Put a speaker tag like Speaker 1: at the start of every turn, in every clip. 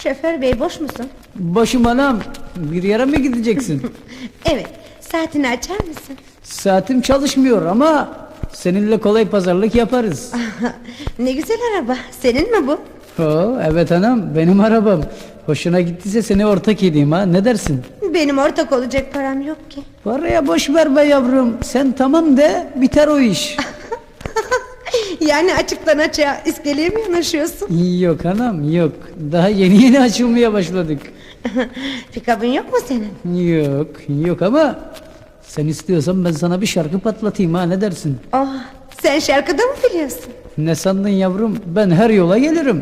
Speaker 1: Şoför bey, boş musun?
Speaker 2: Boşum anam. Bir yere mi gideceksin?
Speaker 1: Evet, saatini açar mısın?
Speaker 2: Saatim çalışmıyor ama seninle kolay pazarlık yaparız.
Speaker 1: Ne güzel araba, senin mi bu?
Speaker 2: Evet anam, benim arabam. Hoşuna gittiyse seni ortak edeyim ha, ne dersin?
Speaker 1: Benim ortak olacak param yok ki.
Speaker 2: Paraya boş ver be yavrum. Sen tamam de, biter o iş.
Speaker 1: Yani açıktan açığa iskeleye mi yanaşıyorsun?
Speaker 2: Yok anam, yok. Daha yeni açılmaya başladık.
Speaker 1: Pikabın yok mu senin?
Speaker 2: Yok ama sen istiyorsan ben sana bir şarkı patlatayım ha, ne dersin?
Speaker 1: Oh, sen şarkıda mı biliyorsun?
Speaker 2: Ne sandın yavrum, ben her yola gelirim.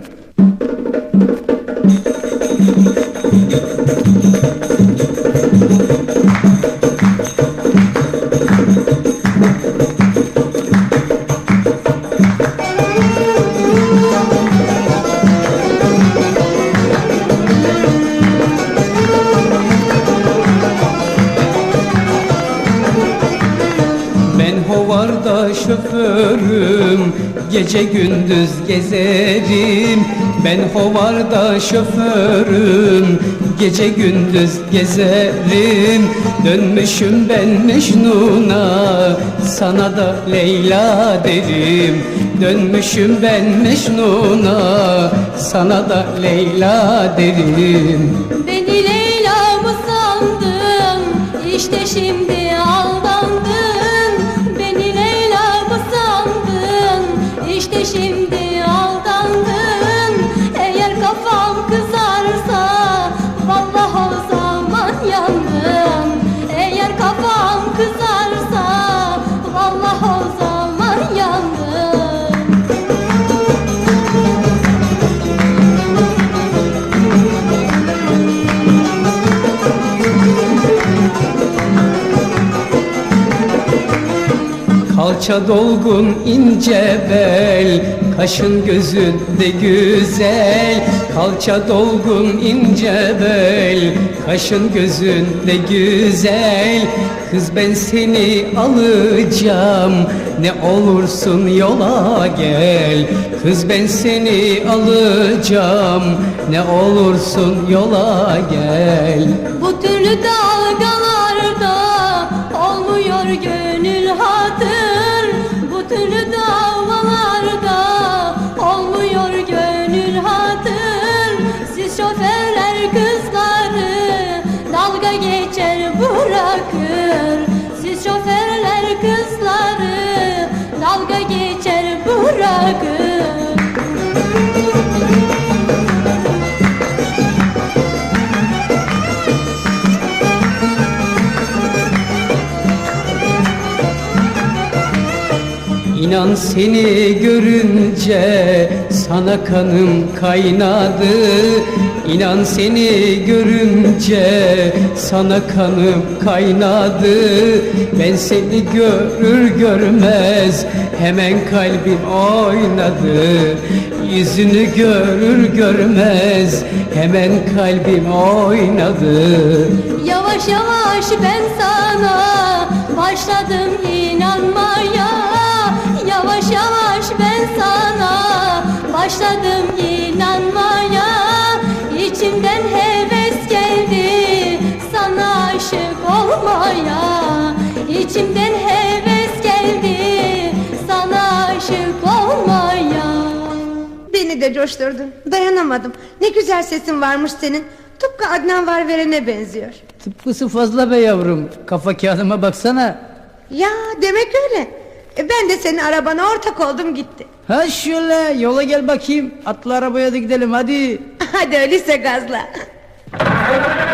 Speaker 2: Ben hovarda şoförüm, gece gündüz gezerim. Ben hovarda şoförüm, gece gündüz gezerim. Dönmüşüm ben Mecnun'a, sana da Leyla derim. Dönmüşüm ben Mecnun'a, sana da Leyla derim.
Speaker 3: Beni Leyla mı sandın? İşte şimdi aldandın. Beni Leyla mı sandın? İşte şimdi aldandın. Eğer kafam kızarsa vallahi o zaman yandım. Eğer kafam kızarsa vallahi o zaman yandım.
Speaker 2: Kalça dolgun ince bel, kaşın gözün de güzel. Kalça dolgun ince bel, kaşın gözün de güzel. Kız ben seni alacağım, ne olursun yola gel. Kız ben seni alacağım, ne olursun yola gel.
Speaker 3: Bu türlü dalgalarda olmuyor gönül hatır. Bu türlü davalarda olmuyor gönül hatır. Siz şoförler kızları dalga geçer bırakır. Siz şoförler kızları dalga geçer bırakır.
Speaker 2: İnan seni görünce sana kanım kaynadı. İnan seni görünce sana kanım kaynadı. Ben seni görür görmez hemen kalbim oynadı. Yüzünü görür görmez hemen kalbim oynadı.
Speaker 3: Yavaş yavaş ben sana başladım inanmaya. Yavaş yavaş ben sana başladım inanmaya. İçimden heves geldi sana aşık olmaya. İçimden heves geldi sana aşık olmaya.
Speaker 1: Beni de coşturdun, dayanamadım. Ne güzel sesin varmış senin. Tıpkı Adnan Varveren'e benziyor.
Speaker 2: Tıpkısı fazla be yavrum, kafa kağıdıma baksana.
Speaker 1: Ya demek öyle. Ben de senin arabana ortak oldum gitti.
Speaker 2: Ha şöyle yola gel bakayım, atla arabaya da gidelim hadi.
Speaker 1: Hadi öyleyse gazla.